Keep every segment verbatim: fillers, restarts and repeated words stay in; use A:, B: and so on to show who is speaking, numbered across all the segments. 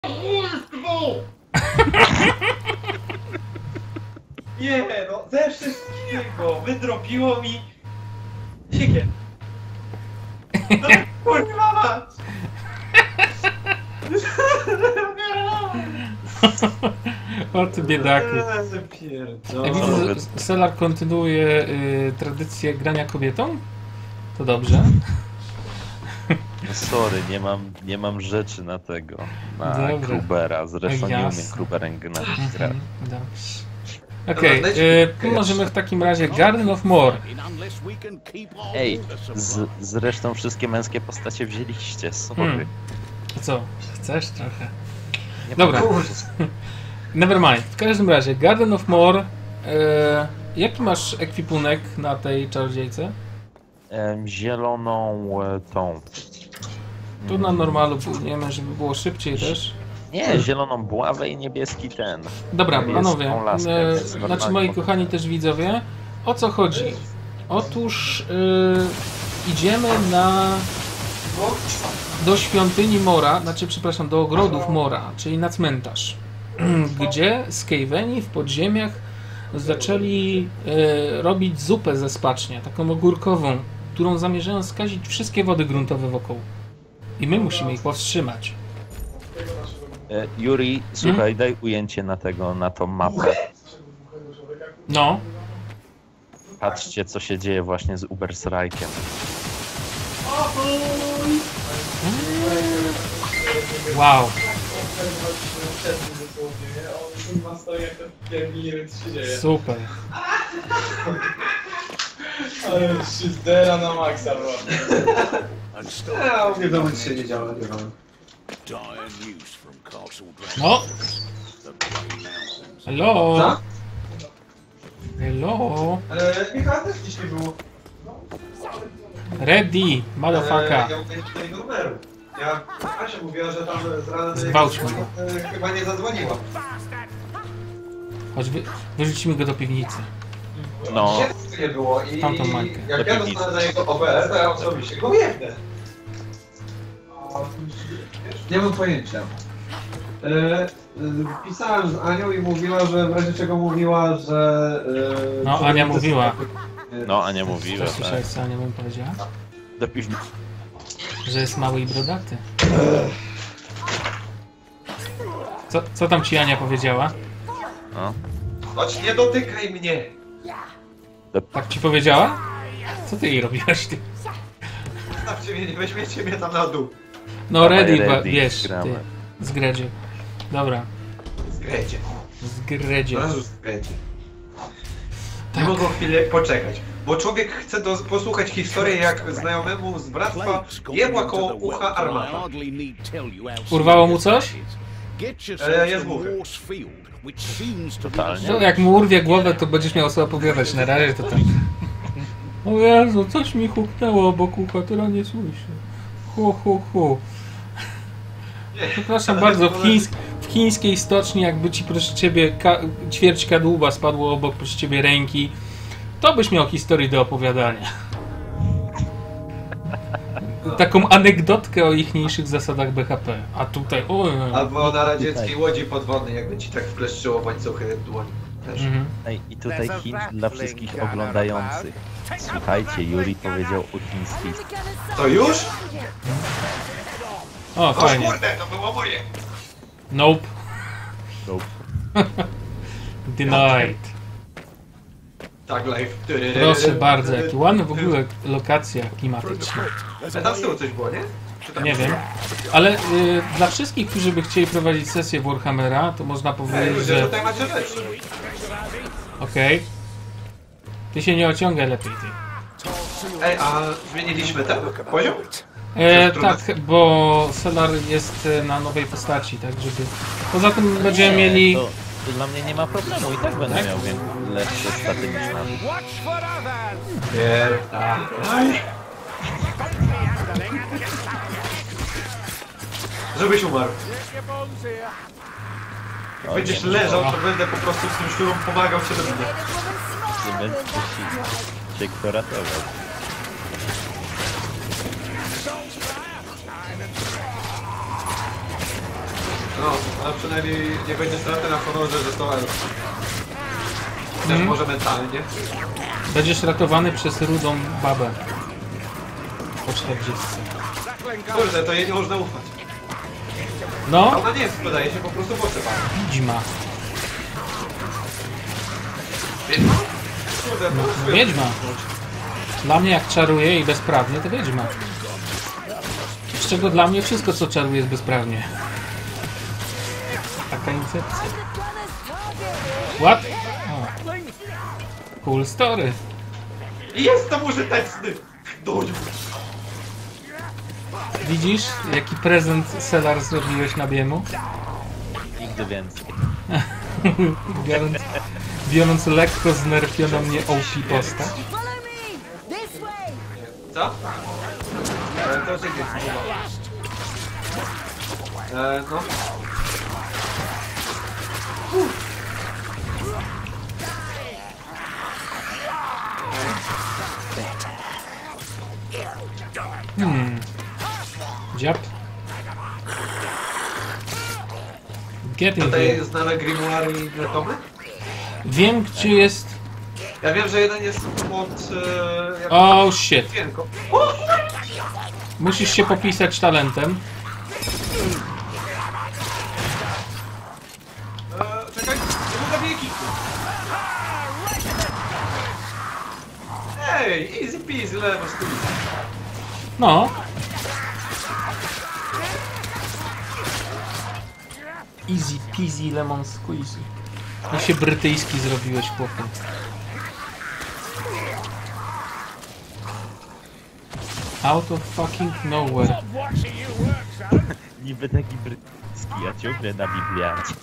A: Nie no, ze wszystkiego wydropiło mi siekierę. No kurwa mać!
B: O ty biedaku. Jak widzę,
A: Pierdolę.
B: że Solar kontynuuje y, tradycję grania kobietą. To dobrze.
C: No sorry, nie mam, nie mam rzeczy na tego, na
B: Dobra.
C: Krubera, zresztą nie
B: Jasne.
C: umiem Kruberem grać.
B: Mhm, dobrze. Okej,
A: Dobra,
B: okay,
A: dajcie-
B: możemy w takim razie Garden of More.
C: Ej, z, zresztą wszystkie męskie postacie wzięliście, sorry.
B: Hmm. A co? Chcesz trochę?
C: Nie
B: Dobra.
C: pamiętam.
B: Nevermind. W każdym razie, Garden of More. E, jaki masz ekwipunek na tej czarodziejce?
C: Em, zieloną e, tą.
B: Tu na normalu płyniemy, żeby było szybciej też.
C: Nie, zieloną buławę i niebieski ten.
B: Dobra,
C: Niebieską
B: panowie,
C: laskę,
B: e,
C: więc
B: znaczy
C: normalnie
B: moi
C: mogę.
B: kochani też widzowie, o co chodzi? Otóż e, idziemy na do świątyni Mora, znaczy przepraszam, do ogrodów Mora, czyli na cmentarz, gdzie Skaveni w podziemiach zaczęli e, robić zupę ze spacznia, taką ogórkową, którą zamierzają skazić wszystkie wody gruntowe wokół. I my musimy ich powstrzymać.
C: E, Yuri, słuchaj, daj ujęcie na tego, na tą mapę.
B: No,
C: Patrzcie, co się dzieje właśnie z Ubersreikiem.
B: wow. Super.
A: Ale się zdera na maksa, bro. Ja mówię, że nic się nie działa, nie wiem.
B: No. Hello.
A: Co?
B: Hello.
A: Ale Michał też dzisiaj był.
B: Ready, motherfucker.
A: Ja mówię tutaj numeru. Ja, Asia mówiła, że tam z rana do
B: Zgwałć
A: jego-
B: mnie.
A: e, chyba nie zadzwoniła.
B: Chodź, wy, wyrzucimy go do piwnicy.
C: No.
A: Dzisiaj nie było i
B: Tamtą Majkę.
A: jak
C: Do
A: ja
C: piwnicy.
A: dostanę na jego O B S, to ja osobiście go jebnę. Nie mam pojęcia. E, e, pisałem z Anią i mówiła, że w razie czego mówiła, że... E,
B: No,
A: że
B: Ania
A: to-
B: mówiła.
C: No, a nie mówiłem,
B: Co
C: tak.
B: słyszałeś, co Ania mi powiedziała?
C: Do piwnicy.
B: Że jest mały i brodaty. Co, co tam ci Ania powiedziała?
C: No.
A: Chodź, nie dotykaj mnie!
B: Tak ci powiedziała? Co ty jej robiłaś, ty?
A: Zostawcie mnie, nie weźmiecie mnie tam na dół.
B: No
C: Dawaj,
B: ready,
C: ready,
B: ba- wiesz, ty.
C: gramy.
B: Z Gredzie. Dobra,
A: Zgrejcie.
B: z Gredzie.
A: Od razu zgrejcie. Nie
B: Tak.
A: mogą chwilę poczekać. Bo człowiek chce do, posłuchać historii, jak znajomemu z bractwa jebła koło ucha armata.
B: Urwało mu coś?
A: E, jest buchy.
C: Totalnie.
B: No, jak mu urwie głowę, to będziesz miał co opowiadać. Na razie to tak. O Jezu, coś mi huknęło obok ucha, teraz nie słyszę. Hu, hu, hu. Przepraszam bardzo, w, chińsk w chińskiej stoczni, jakby ci proszę ciebie ka ćwierć kadłuba spadło obok proszę ciebie ręki, to byś miał historię do opowiadania. Taką anegdotkę o ichniejszych zasadach B H P. A tutaj, o,
A: Albo na radzieckiej łodzi podwodnej, jakby ci tak wkleszczyło łańcuchy w dłoń. Też.
B: mhm.
C: Ej, i tutaj hint dla wszystkich oglądających. Słuchajcie, Yuri powiedział o chińskiej.
A: To już?
B: O,
A: O
B: fajnie.
A: kurde, to było moje!
B: Nope.
C: Nope.
B: Denied.
A: Tak, live.
B: Proszę bardzo, jaki ładny w ogóle lokacja klimatyczna.
A: A tam z tyłu coś było, nie? Czy tam
B: Nie wiem, ale y, dla wszystkich, którzy by chcieli prowadzić sesję Warhammera, to można
A: Ej,
B: powiedzieć,
A: ludzie,
B: że...
A: tutaj macie rzeczy.
B: Okej. Ty się nie ociągaj lepiej, ty.
A: Ej, a zmieniliśmy ten poziom?
B: E, tak, bo Solar jest e, na nowej postaci, tak żeby... Poza tym będziemy mieli...
C: To, to dla mnie nie ma problemu i tak będę
B: Tak?
C: miał więc lepsze staty niż na.
A: Nie. Żebyś umarł. Jak będziesz leżał, to będę po prostu z tym szczurą pomagał cię do mnie.
C: Nie będę cię kto ratował.
A: No, a przynajmniej nie będzie straty na honorze, że to elf. Też
B: Mhm.
A: może mentalnie.
B: Będziesz ratowany przez rudą babę. Po czterdziestce.
A: Kurde, to jej nie można ufać. A
B: No,
A: ona nie jest, wydaje się po prostu potrzeba.
B: wiedźma.
A: Wiedźma? Kurde, po
B: No,
A: prostu
B: wiedźma. Dla mnie jak czaruje i bezprawnie, to wiedźma. Z czego dla mnie wszystko co czaruje jest bezprawnie. Taka incepcja. What? O. Cool story.
A: I jestem użyteczny! Dudziu!
B: Widzisz, jaki prezent Selar zrobiłeś na biemu?
C: Nigdy więcej.
B: biorąc, biorąc lekko znerfioną mnie O P postać.
A: Co? E, to się gdzieś e, no.
B: Hmm. Dziab. Get in
A: Tutaj
B: here.
A: znamy grimoire i inne tomy?
B: Wiem, gdzie jest...
A: Ja wiem, że jeden jest pod... E, jak
B: Oh shit.
A: okienko. O!
B: Musisz się popisać talentem.
A: E, czekaj, nie mogę biegi! Ej, easy peasy, lewo stój.
B: No. Easy peasy lemon squeezy. I się brytyjski zrobiłeś, chłopie. Out of fucking nowhere.
C: Niby taki brytyjski, a ciągle na Bibliacie.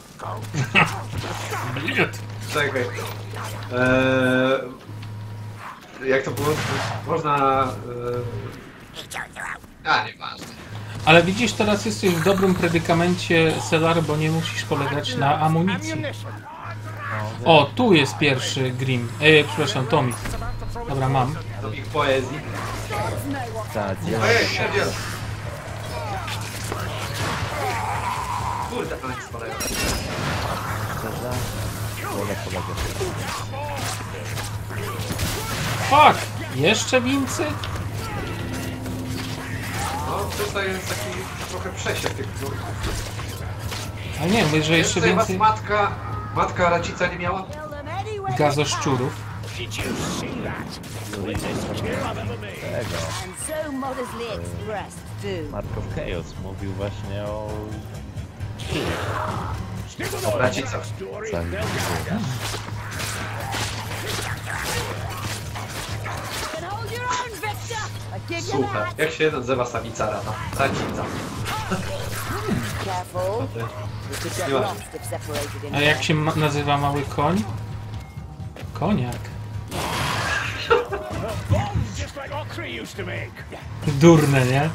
A: Czekaj. Eee, jak to było? Można... E, a, nieważne.
B: Ale widzisz, teraz jesteś w dobrym predykamencie, Selar, bo nie musisz polegać na amunicji. O, tu jest pierwszy Grim. Ej, przepraszam, Tomik. Dobra, mam.
A: Do ich poezji.
C: Tak, ja
A: Ojej, śmierdziel. Kurde, ale nie spadają.
C: szczerze wolę polegać.
B: Fuck! Jeszcze wincy?
A: No, tutaj jest taki trochę przesiek tych knurków.
B: A nie, mówię, że jeszcze
A: Tutaj was
B: więcej
A: matka, matka racica nie miała?
B: gazoszczurów.
C: Tego.
D: And so modestly expressed, too.
C: Mark of Chaos mówił właśnie o...
A: O racicach.
C: Całym
D: And hold your own, Victor! I give you
A: Słuchaj,
D: that!
A: jak się nazywa samica rata? Racica.
D: Careful.
A: Ty.
D: You could get
A: Miła.
D: lost if separated in
B: A jak się ma nazywa mały koń? Koniak. Durne, nie?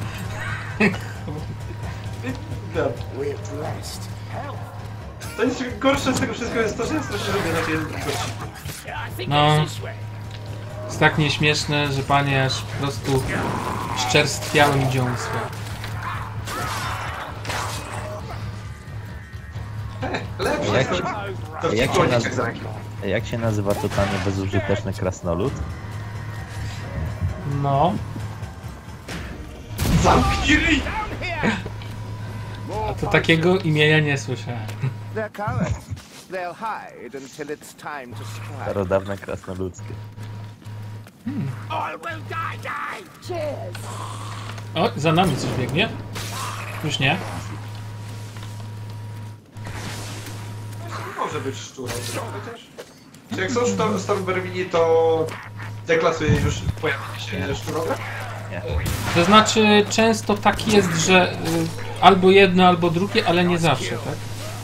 A: To jest gorsze z tego wszystkiego jest to, że ja strasznie lubię takie gości.
B: No. Jest tak nieśmieszne, że panie aż po prostu szczerstwiały mi dziąsła.
A: Lepsze
C: Jak
A: jest
C: się-
A: to, to
C: jak
A: w
C: się
A: konieczek
C: nazywa?
A: z ręki.
C: Jak się nazywa totalnie bezużyteczny krasnolud?
B: No.
A: Zamknij ryj!
B: A to takiego imienia nie słyszałem.
E: They're cowards. They'll hide until it's time to strike.
C: Starodawne krasnoludzkie.
D: Cheers!
B: O, za nami coś biegnie. Już nie.
A: Może być szczurem, chociaż. Czy jak są sztor- Stormbermini, to deklasuje już pojawienie się szczurowe?
C: Nie.
B: To znaczy, często tak jest, że y, albo jedno, albo drugie, ale nie zawsze, tak?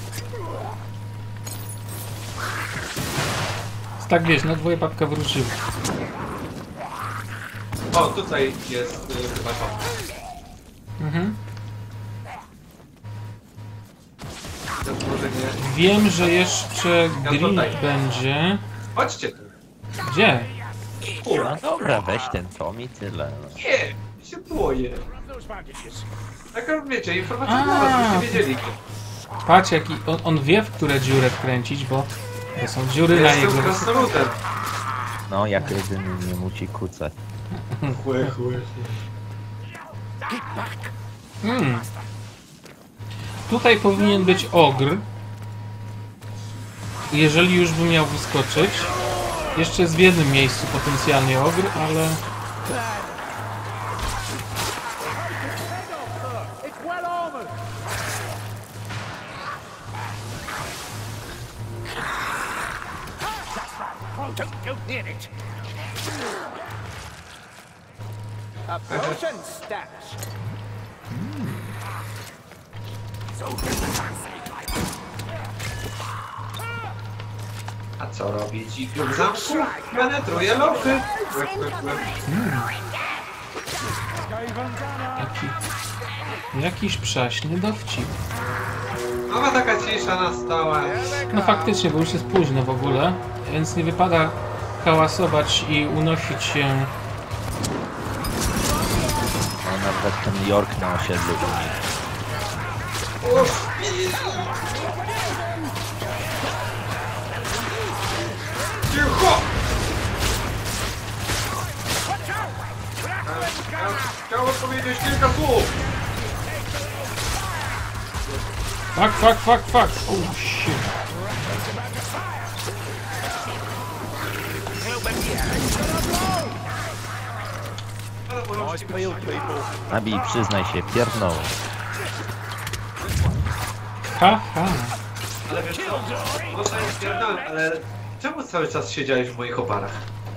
B: Jest tak, wiesz, no dwoje babka wróciły.
A: O, tutaj jest y, chyba to.
B: Mhm.
A: To może nie.
B: Wiem, że jeszcze Grill
A: tutaj.
B: będzie.
A: Chodźcie tu.
B: Gdzie?
C: No dobra, weź ten tom i tyle. No.
A: Nie, się boję. Taka wiecie, informacja
B: A.
A: dla was, byście wiedzieli.
B: Patrz jaki... On, on wie, w które dziurę wkręcić, bo to są dziury na
A: Jestem
B: jego...
A: krasnoludem.
C: No, jak jedyny nie musi kucać.
A: Chły, chły.
B: Hmm. Tutaj powinien być ogr. Jeżeli już by miał wyskoczyć. Jeszcze jest w jednym miejscu potencjalnie ogr, ale...
E: It's well armored. Oh, don't go near it. A potion stash.
A: A co robi dziki w zamku? Penetruje lochy.
B: Jaki... Jakiś przaśny dowcip.
A: Nowa taka cisza nastała.
B: No faktycznie, bo już jest późno w ogóle, więc nie wypada hałasować i unosić się.
C: No, nawet ten York na osiedlu u nich.
A: Cicho! Chciałem powiedzieć kilka słów.
B: Fuck, fuck, fuck, fuck! Oh shit!
C: Nabi, przyznaj się, pierdnął.
B: Ha, ha!
A: Ale wiesz co? Może nie spierdolę, ale czemu cały czas siedziałeś w moich oparach?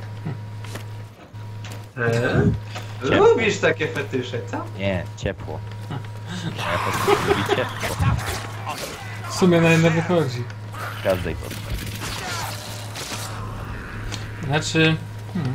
A: Eee? Lubisz takie fetysze, co?
C: Nie, ciepło. Ja po prostu lubi ciepło.
B: W sumie na jedno wychodzi.
C: W każdej postaci.
B: Znaczy... Hmm.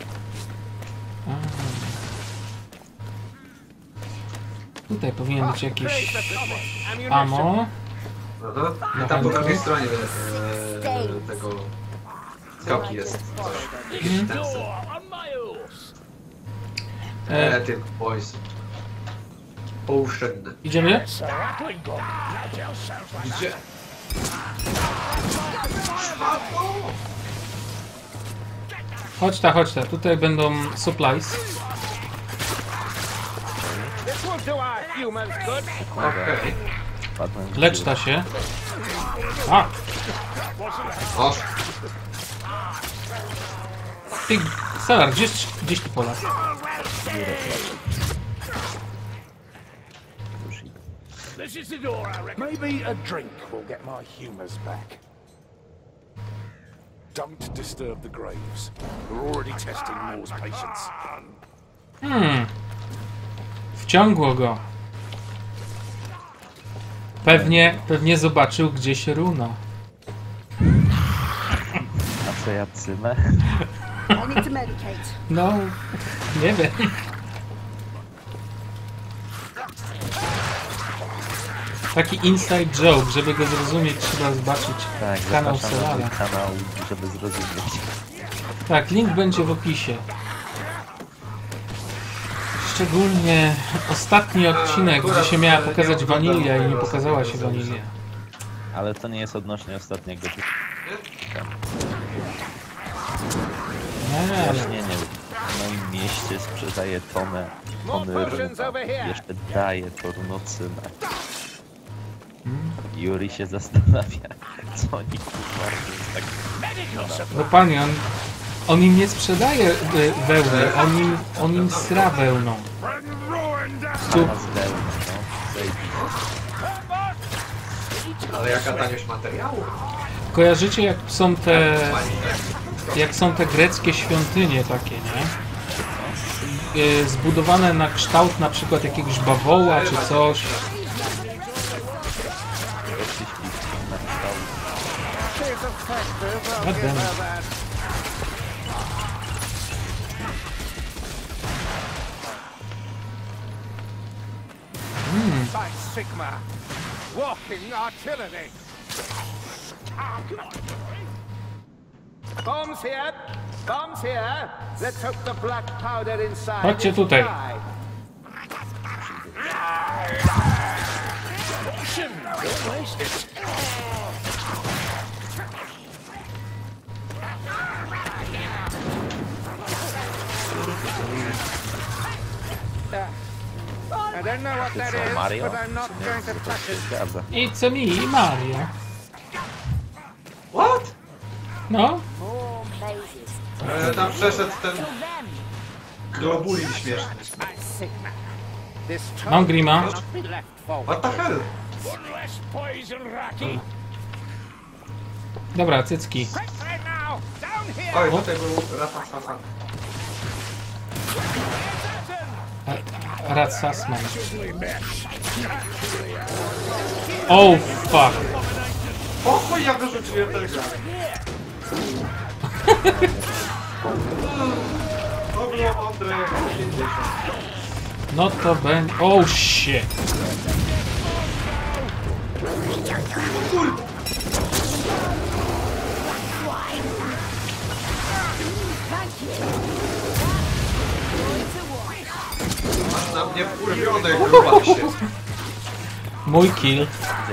B: Tutaj powinien być jakieś ammo.
A: Aha. I tam po drugiej stronie e, tego skałki jest coś. Jakiś ten sen.
B: E,
A: Etyk boys. Potion.
B: idziemy?
A: Gdzie?
B: Chodź ta, chodź ta. Tutaj będą supplies.
E: This will do our humans good.
A: Okej.
C: Wpadłem w
B: Lecz
C: dziurę.
B: ta się. A!
A: Oż.
B: Ty, Salar, gdzieś, gdzieś tu pola.
C: Już idę.
F: This is the door, I reckon. Maybe a drink will get my humours back. Don't disturb the graves. We're already testing Moore's patience.
B: Hmm. Wciągło go. Pewnie, pewnie zobaczył gdzieś runa.
C: A co ja cymę?
D: I need to medicate.
B: No, nie wiem. Taki inside joke, żeby go zrozumieć, trzeba zobaczyć
C: Tak,
B: kanał
C: zapraszam na mój
B: Solana.
C: kanał, żeby zrozumieć.
B: Tak, link będzie w opisie. Szczególnie ostatni odcinek, gdzie się miała pokazać wanilia i nie pokazała się wanilia.
C: Ale to nie jest odnośnie ostatniego
B: Nie, ale
C: wyjaśnienia. W moim mieście sprzedaje tonę, tony runa. Jeszcze daje to runocynę. Yuri się zastanawia, co oni kurwa robią tak.
B: no panie, on, on im nie sprzedaje y, wełny, on im, on im sra wełną. Tu,
C: A z wełny, no. Zajebiście.
A: Ale jaka taniość materiału?
B: kojarzycie jak są te, jak są te greckie świątynie takie, nie? Y, zbudowane na kształt na przykład jakiegoś bawoła czy coś.
C: Weszli śliwki na kształt.
E: Here's a factor. Well,
B: God
E: give
B: damn
E: her
B: it.
E: that. By Sigma. Walking artillery. Bombs here. Bombs here. Let's hope the black powder inside
B: Chodźcie
E: is
B: tutaj.
E: dry. I don't know what that
C: Co,
E: is,
C: Mario?
E: but I'm not going to
C: To
E: touch
C: się
E: it.
C: zgadza.
B: It's me i Mario.
A: What?
B: No,
D: More mazes.
A: E, tam przeszedł ten
D: Kill them.
A: globulin śmieszny.
E: This
B: mam Grima.
E: cannot be left forward.
A: What the hell?
F: One less poison, Rocky.
B: Dobra, cycki.
F: Quickly now! Down here!
A: Oj, tutaj był Rafa.
B: Rad Sassman. Oh fuck.
A: O chuj, ja wyrzuciłem ten gaz. To było mądre jak pięćdziesiąt.
B: No to będzie... Oh shit.
A: Masz na mnie wkurwione, grubasie.
B: Mój kill.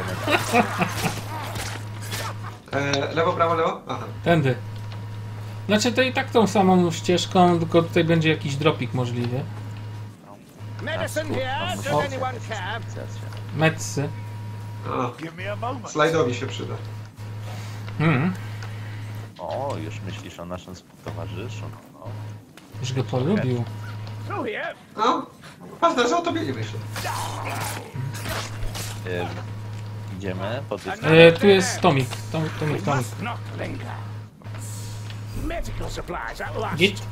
A: E, lewo, prawo, lewo? Aha.
B: Tędy. Znaczy to i tak tą samą ścieżką, tylko tutaj będzie jakiś dropik możliwy.
E: Medicine here. Does anyone care?
B: Medsy.
A: A,
F: Give me a moment.
A: slajdowi się przyda.
B: Hmm.
C: O, już myślisz o naszym współtowarzyszu. No.
B: Już go polubił.
F: Through here.
A: No, ważne, że o tobie nie myślę.
C: Ym, idziemy po tych...
B: E, tu jest Tomik. Tom, tomik,
F: We
B: Tomik.
F: must not linger. Medical supplies at last.
B: Git.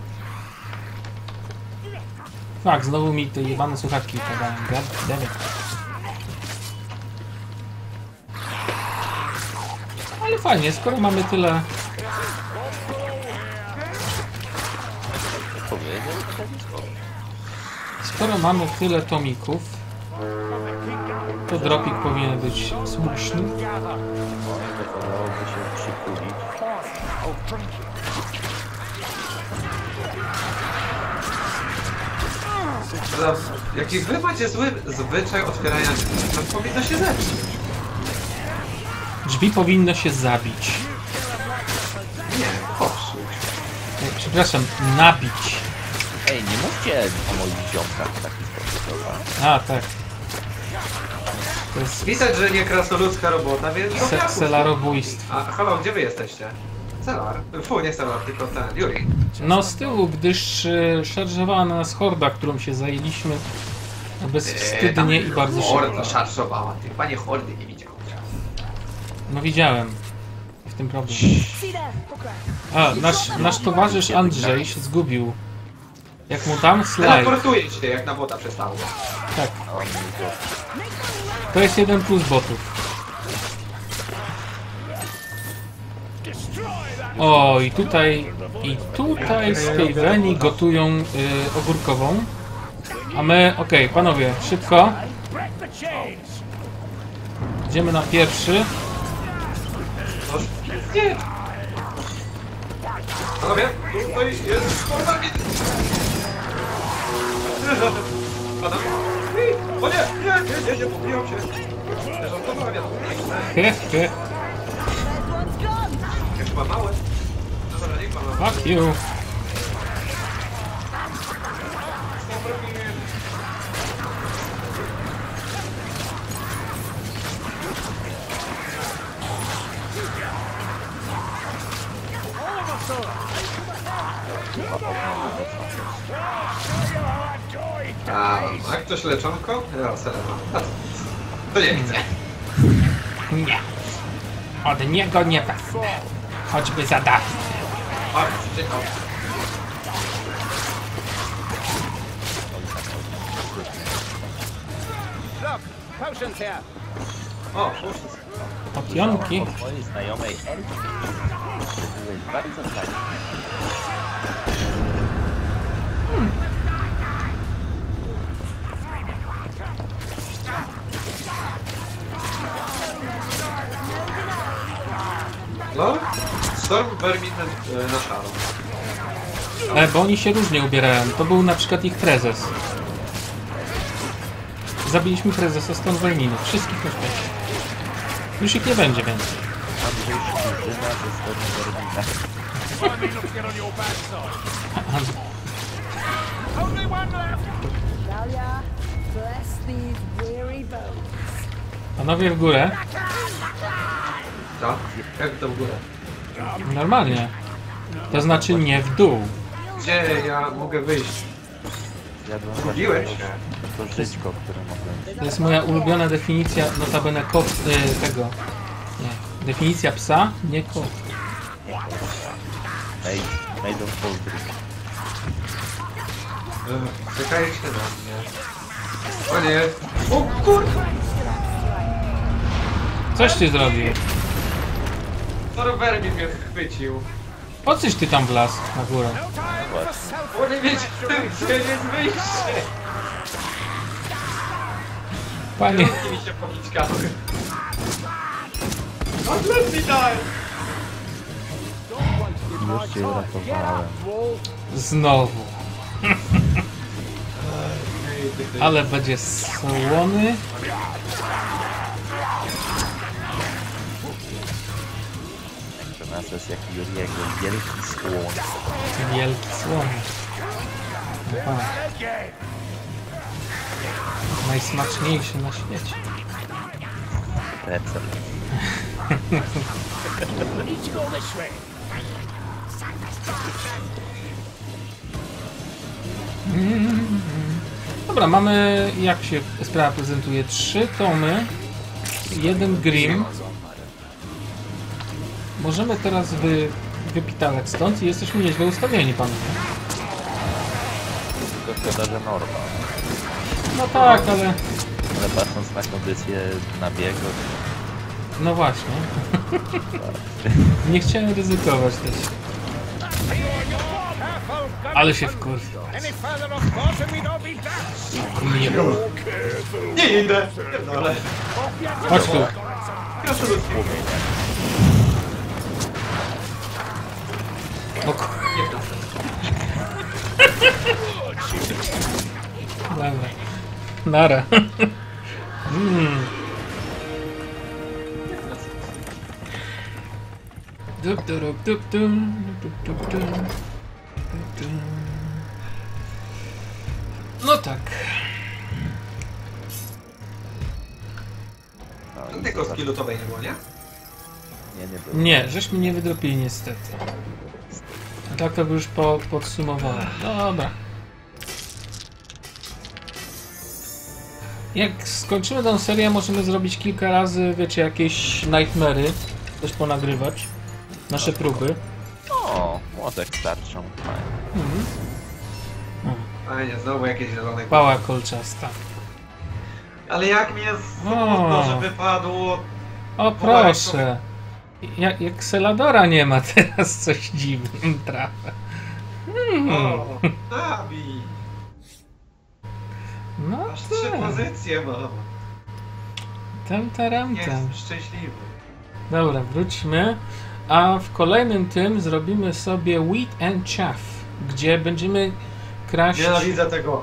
B: Fak, znowu mi te jebane słuchawki padają. God damn it. Ale fajnie, skoro mamy tyle...
C: Powiedział?
B: Skoro mamy tyle tomików, to dropik powinien być słuszny.
F: Gather.
C: Wypadałoby się przytulić.
F: Oh, drink it.
A: Za- Jaki wy macie zły zwyczaj otwierania drzwi, to powinno się zepsuć.
B: Drzwi powinno się zabić.
A: Nie, popsuć.
B: E, Przepraszam, nabić.
C: Ej, nie mówcie o moich ziomkach w taki sposób, dobra?
B: A, tak. To jest
A: Pisać, że nie krasnoludzka robota, więc... to
B: se
A: ja
B: celarobójstwo.
A: A, halo, gdzie wy jesteście? Celar? Fu, nie Celar, tylko ten, Yuri.
B: No z tyłu, gdyż y, szarżowała na nas horda, którą się zajęliśmy bezwstydnie i bardzo szybko.
A: Horda szarżowała, ty panie hordy nie widział.
B: No widziałem. W tym problem.
D: See there. Okay.
B: A, nasz, nasz towarzysz Andrzej się zgubił. Jak mu dam slajd.
A: Teleportuje się, jak na bota przestało.
B: Tak. To jest jeden plus botów. O, i tutaj, i tutaj Skaveni gotują y, ogórkową. A my, okej, panowie, szybko.
F: Break the chains.
B: Idziemy na pierwszy.
A: Noż, nie! Panowie, tutaj jest forma mi... Adam? O nie, nie, nie, nie, nie, pobiłem się. Żartowałem, ja
B: He, he,
D: First one's gone.
A: Jak chyba małe. No dobra, niech pan ma.
B: fuck you.
A: A, a ktoś leczonko? Ja, selema. A co? To nie chcę.
B: Nie. Od niego nie wezmę. Choćby za dach.
A: O, przyciekał.
E: Look, potions here.
A: O, puszczę.
B: Potionki.
C: Od mojej znajomej Elki. Byłeś bardzo fajny.
A: No, Storm Verminen e, na szaro.
B: E, bo oni się różnie ubierają. To był na przykład ich prezes. Zabiliśmy prezesa Stormverminu. Wszystkich na świecie. Już ich nie będzie więcej.
C: Andrzej Szkurzyna ze strony Berlina.
D: Talia, bless these weary bones.
B: Panowie w górę.
A: Co? Jak to w górę?
B: Normalnie. To znaczy nie w dół.
A: Gdzie ja mogę wyjść?
C: Zjadłem
A: Zgubiłeś
C: właśnie
A: się.
C: to, to żyćko, które mogłem.
B: To jest moja ulubiona definicja, notabene kot, y, tego. Nie. Definicja psa, nie kot.
C: Ej, Maiden Foldry.
A: Ech, Czekajcie na mnie. O nie! O kurwa!
B: Coś ty zrobił.
A: Torber mi mnie chwycił.
B: Po coś ty tam wlazł na górę?
A: Bo nie wiecie, gdzie jest wyjście.
B: Panie,
A: Kierunki mi się pokićkały. Odlec mi daj!
C: Już cię uratowałem.
B: znowu. Ale będzie słony.
C: To nas jest jak Juriego, wielki słoń.
B: Wielki słon. Aha. Najsmaczniejszy na świecie.
C: Recept.
B: Dobra, mamy, jak się sprawa prezentuje, trzy tomy, jeden Grimm. Możemy teraz wy, wypitalać stąd i jesteśmy nieźle ustawieni, panowie.
C: Tylko szkoda, że norma.
B: No tak, ale...
C: Ale patrząc na kondycję na biegu,
B: No właśnie. Nie chciałem ryzykować też. Ale się wkurwił. Nie,
A: Nie idę! Pierdolę.
B: chodź tu. O kur... Dobra. Nara. Mm. Dup, dup, dup, dup, dup, dup, dup, dup. No tak.
C: no i
A: Tylko
C: zobacz-
A: skillutowej nie było, nie?
C: Nie, nie było.
B: Nie, żeśmy nie wydropili niestety. A tak to by już po, podsumowałem. No dobra. Jak skończymy tę serię, możemy zrobić kilka razy, wiecie, jakieś nightmary. Też ponagrywać. Nasze próby.
C: O, młotek starczą. Fajnie.
B: Mhm.
A: Fajnie, znowu jakieś zielone.
B: Pała kolczasta.
A: Ale jak mi jest smutno, że wypadło.
B: O proszę. Jak, jak Seladora nie ma teraz, coś dziwnym trafia. Hmm.
A: O, Nabi!
B: No
A: Aż trzy
B: tak.
A: pozycje mam.
B: Tam, taram, tam.
A: Jestem szczęśliwy.
B: Dobra, wróćmy. A w kolejnym tym zrobimy sobie Wheat and Chaff, gdzie będziemy kraść...
A: Nienawidzę tego.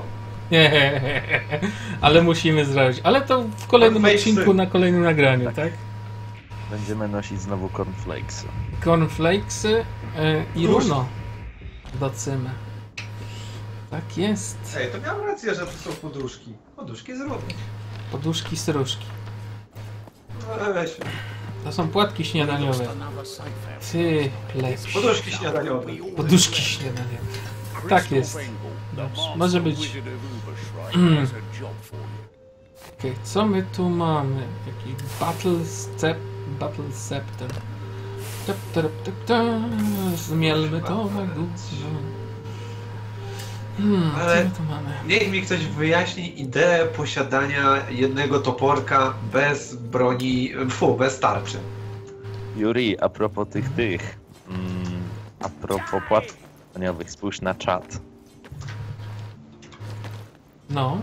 B: Ale musimy zrobić. Ale to w kolejnym
A: Cornflakesy.
B: odcinku, na kolejnym nagraniu, tak?
C: Będziemy nosić znowu cornflakesy.
B: Cornflakesy yy, i
A: Róż.
B: runo do cymy. Tak jest.
A: Ej, to miałem rację, że to są poduszki. Poduszki z rudy.
B: Poduszki sruszki.
A: No, weź.
B: To są płatki śniadaniowe. Ty, lepszy.
A: Poduszki śniadaniowe.
B: Poduszki śniadaniowe. Tak jest. Dobrze. Może być. Mm. Okej, co my tu mamy? Jakiś battle step, battle septem. Tep, tep, tep, tep. Zmielmy to na górę. Hmm, co
A: Ale-
B: my tu mamy?
A: Niech mi ktoś wyjaśni ideę posiadania jednego toporka bez broni, fu, bez tarczy.
C: Yuri, a propos tych tych, mm, a propos płatków śniadaniowych, spójrz na czat.
B: No,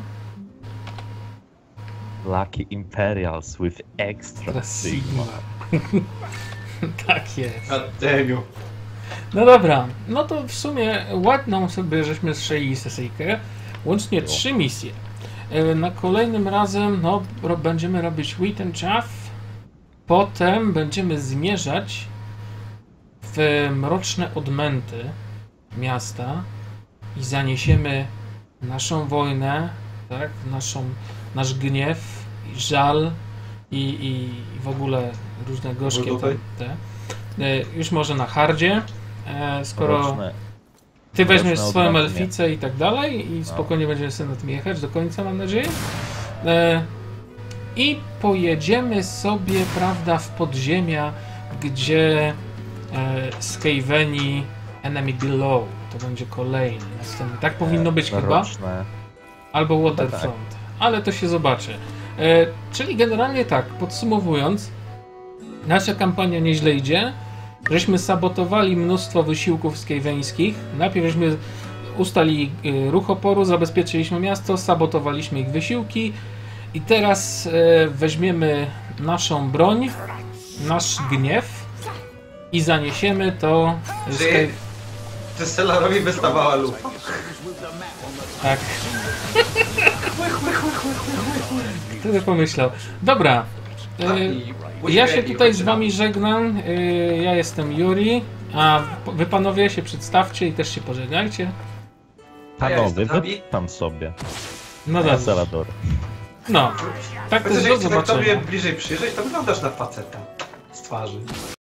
C: Lucky Imperials with extra
B: teraz
C: sigma.
B: Sigma. Tak jest.
A: Ademiu.
B: No dobra, no to w sumie ładną sobie żeśmy strzeli sesyjkę. Łącznie
C: No.
B: trzy misje. E, Na kolejnym razem no, ro, będziemy robić Wheat and Chaff. potem będziemy zmierzać w mroczne odmęty miasta i zaniesiemy naszą wojnę, tak, naszą, nasz gniew, i żal i, i, i w ogóle różne gorzkie tam, te. E, już może na hardzie, e, skoro
C: Mroczne,
B: ty weźmiesz
C: mroczne
B: swoją
C: odmęty
B: elficę i tak dalej i spokojnie będziemy sobie na tym jechać do końca, mam nadzieję. E, I pojedziemy sobie, prawda, w podziemia, gdzie e, Skaveni Enemy Below to będzie kolejny, następny. Tak powinno być chyba.
C: mroczne.
B: Albo Waterfront, ale to się zobaczy. E, czyli generalnie tak, podsumowując, nasza kampania nieźle idzie. Żeśmy sabotowali mnóstwo wysiłków skaveńskich. Najpierw żeśmy ustali e, ruch oporu, zabezpieczyliśmy miasto, sabotowaliśmy ich wysiłki i teraz e, weźmiemy naszą broń, nasz gniew i zaniesiemy to...
A: Czy, czy Stellarowi wystawała lupa?
B: Tak. Kto by pomyślał? Dobra. Y, ja się tutaj z wami żegnam. Y, ja jestem Yuri. A wy panowie się przedstawcie i też się pożegnajcie.
C: Panowie,
A: jestem
C: wy tam sobie.
B: No
C: Ja
B: dobra.
C: Salador.
B: No. Tak też
A: Chociaż
B: do
A: jak chcę tak tobie
B: zobaczenia.
A: bliżej przyjrzeć, to wyglądasz na faceta z twarzy.